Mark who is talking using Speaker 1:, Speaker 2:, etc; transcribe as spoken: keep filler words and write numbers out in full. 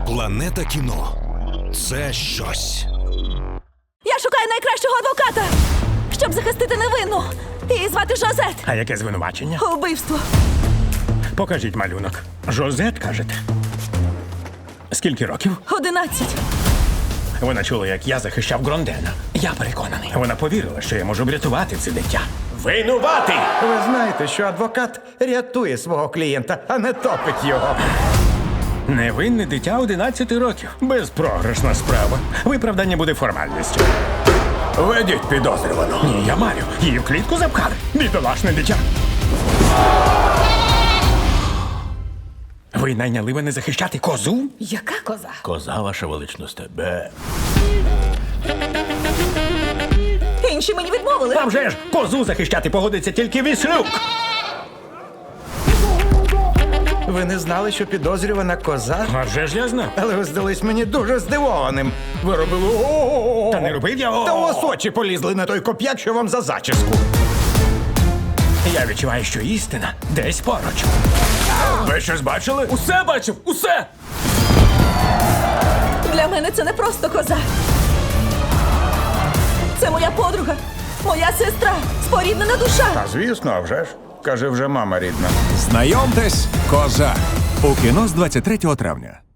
Speaker 1: Планета кіно – це щось.
Speaker 2: Я шукаю найкращого адвоката, щоб захистити невинну. Її звати Жозет.
Speaker 3: А яке звинувачення?
Speaker 2: Убивство.
Speaker 3: Покажіть малюнок. Жозет, кажете? Скільки років?
Speaker 2: Одинадцять.
Speaker 3: Вона чула, як я захищав Грондена. Я переконаний. Вона повірила, що я можу врятувати це дитя. Винуватий!
Speaker 4: Ви знаєте, що адвокат рятує свого клієнта, а не топить його.
Speaker 3: Невинне дитя одинадцяти років. Безпрограшна справа. Виправдання буде формальністю. Ведіть підозрювану. Ні, я маю. Її в клітку запхали. Бідолашне дитя. Ви найняли мене захищати козу?
Speaker 2: Яка коза?
Speaker 3: Коза, ваша величність, тебе.
Speaker 2: Інші мені відмовили.
Speaker 3: А вже ж, козу захищати погодиться тільки Віслюк.
Speaker 4: Ви не знали, що підозрювана коза?
Speaker 3: А вже ж я знав.
Speaker 4: Але ви здались мені дуже здивованим. Ви робили о-о-о.
Speaker 3: Та не робив я.
Speaker 4: Та у вас очі полізли на той коп'як, що вам за зачіску.
Speaker 3: Я відчуваю, що істина десь поруч. Ви щось бачили?
Speaker 5: Усе бачив, усе!
Speaker 2: Для мене це не просто коза. Це моя подруга, моя сестра, споріднена душа.
Speaker 4: А звісно, а вже ж. Каже, вже мама рідна.
Speaker 1: Знайомтесь, коза. У кіно з двадцять третього травня.